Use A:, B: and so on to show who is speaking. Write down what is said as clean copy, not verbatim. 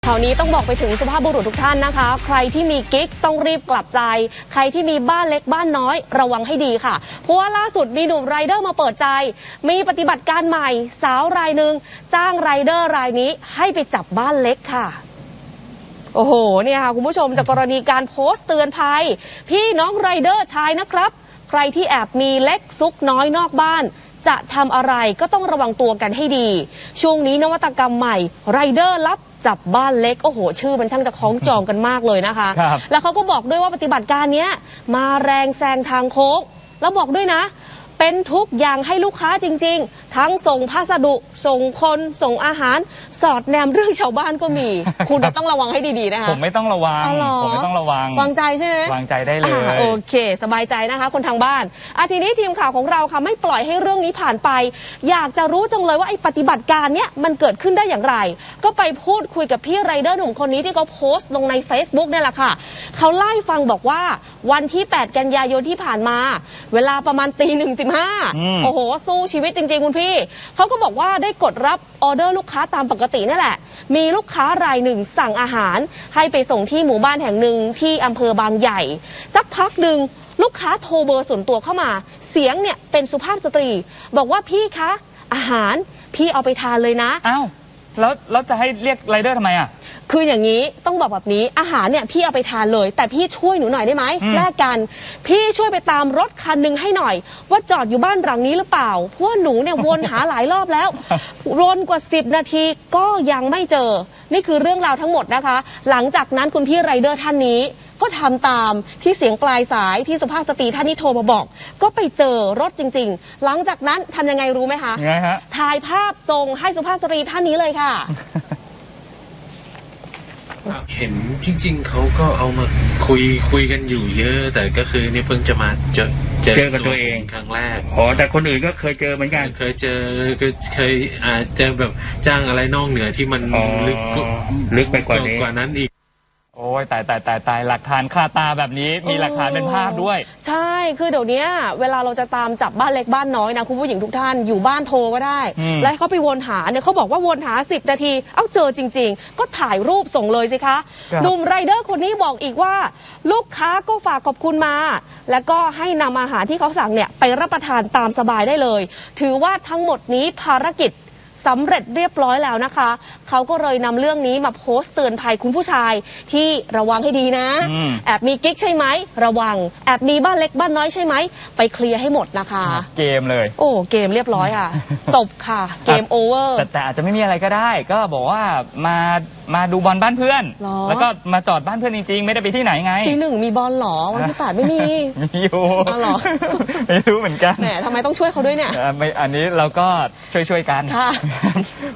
A: ข่าวนี้ต้องบอกไปถึงสุภาพบุรุษทุกท่านนะคะใครที่มีกิ๊กต้องรีบกลับใจใครที่มีบ้านเล็กบ้านน้อยระวังให้ดีค่ะเพราะว่าล่าสุดมีหนุ่มไรเดอร์มาเปิดใจมีปฏิบัติการใหม่สาวรายหนึ่งจ้างไรเดอร์รายนี้ให้ไปจับบ้านเล็กค่ะโอ้โหเนี่ยค่ะคุณผู้ชมจากกรณีการโพสต์เตือนภัยพี่น้องไรเดอร์ชายนะครับใครที่แอบมีเล็กซุกน้อยนอกบ้านจะทำอะไรก็ต้องระวังตัวกันให้ดีช่วงนี้นวัตกรรมใหม่ไรเดอร์รับจับบ้านเล็กโอ้โหชื่อมันช่างจะคล้องจองกันมากเลยนะคะแล้วเขาก็บอกด้วยว่าปฏิบัติการนี้มาแรงแซงทางโค้งแล้วบอกด้วยนะเป็นทุกอย่างให้ลูกค้าจริงๆทั้งส่งพัสดุส่งคนส่งอาหารสอดแนมเรื่องชาวบ้านก็มี คุณต้องระวังให้ดีๆนะคะ
B: ผมไม่ต้องระวังผมไม่ต้องระวัง
A: วางใจใช่ไหม
B: วางใจได้เลย
A: โอเคสบายใจนะคะคนทางบ้านทีนี้ทีมข่าวของเราค่ะไม่ปล่อยให้เรื่องนี้ผ่านไปอยากจะรู้จังเลยว่าไอ้ปฏิบัติการเนี้ยมันเกิดขึ้นได้อย่างไรก็ไปพูดคุยกับพี่ไรเดอร์หนุ่มคนนี้ที่เขาโพสต์ลงใน Facebook นี่แหละค่ะเขาเล่าให้ฟังบอกว่าวันที่8กันยายนที่ผ่านมาเวลาประมาณ01:15โอ้โหสู้ชีวิตจริงๆคุณพี่เขาก็บอกว่าได้กดรับออเดอร์ลูกค้าตามปกตินั่นแหละมีลูกค้ารายหนึ่งสั่งอาหารให้ไปส่งที่หมู่บ้านแห่งหนึ่งที่อำเภอบางใหญ่สักพักหนึ่งลูกค้าโทรเบอร์ส่วนตัวเข้ามาเสียงเนี่ยเป็นสุภาพสตรีบอกว่าพี่คะอาหารพี่เอาไปทานเลยนะ
B: อ้าวแล้วจะให้เรียกไรเดอร์ทำไมอ่ะ
A: คืออย่างนี้ต้องบอกแบบนี้อาหารเนี่ยพี่เอาไปทานเลยแต่พี่ช่วยหนูหน่อยได้ไหมแลกกันพี่ช่วยไปตามรถคันหนึ่งให้หน่อยว่าจอดอยู่บ้านหลังนี้หรือเปล่าเพราะว่าหนูเนี่ยวนหาหลายรอบแล้ววนกว่า10 นาทีก็ยังไม่เจอนี่คือเรื่องราวทั้งหมดนะคะหลังจากนั้นคุณพี่ไรเดอร์ท่านนี้ก็ทำตามที่เสียงปลายสายที่สุภาพสตรีท่านนี้โทรมาบอกก็ไปเจอรถจริงๆหลังจากนั้นทำยังไงรู้ไหมคะ
B: ยังไงฮะ
A: ถ่ายภาพส่งให้สุภาพสตรีท่านนี้เลยค่ะ
C: เห็นจริงๆเขาก็เอามาคุยกันอยู่เยอะแต่ก็คือนี่เพิ่งจะมาเจอ
D: กับตัวเอง
C: ครั้งแรก
D: แต่คนอื่นก็เคยเจอเหมือนกัน
C: เคยเจอเคยอาจจะแบบจ้างอะไรนอกเหนือที่มัน
D: ลึกไปกว่า
C: นั้นอีก
B: โอ้ยตายหลักฐานคาตาแบบนี้มีหลักฐานเป็นภาพด้วย
A: ใช่คือเดี๋ยวนี้เวลาเราจะตามจับบ้านเล็กบ้านน้อยนะคุณผู้หญิงทุกท่านอยู่บ้านโทรก็ได้แล้วเขาไปวนหาเนี่ยเขาบอกว่าวนหา10 นาทีเจอจริงๆก็ถ่ายรูปส่งเลยสิคะหนุ่มไรเดอร์คนนี้บอกอีกว่าลูกค้าก็ฝากขอบคุณมาแล้วก็ให้นำอาหารที่เขาสั่งเนี่ยไปรับประทานตามสบายได้เลยถือว่าทั้งหมดนี้ภารกิจสำเร็จเรียบร้อยแล้วนะคะเขาก็เลยนำเรื่องนี้มาโพสต์เตือนภัยคุณผู้ชายที่ระวังให้ดีนะแอบมีกิ๊กใช่ไหมระวังแอบมีบ้านเล็กบ้านน้อยใช่ไหมไปเคลียร์ให้หมดนะคะ
B: เกมเลย
A: โอ้เกมเรียบร้อยค่ะจบค่ะเกมโอเวอร์
B: แต่อาจจะไม่มีอะไรก็ได้ก็บอกว่ามาดูบอลบ้านเพื่อนแล้วก็มาจอดบ้านเพื่อนจริงๆไม่ได้ไปที่ไหนไง
A: ที่1มีบอลหรอวันที่8ไม่มี
B: อยู่
A: หรอ
B: ไม่รู้เหมือนกัน
A: แหมทำไมต้องช่วยเขาด้วยเนี่ย
B: อันนี้เราก็ช่วยกัน
A: ค่ะ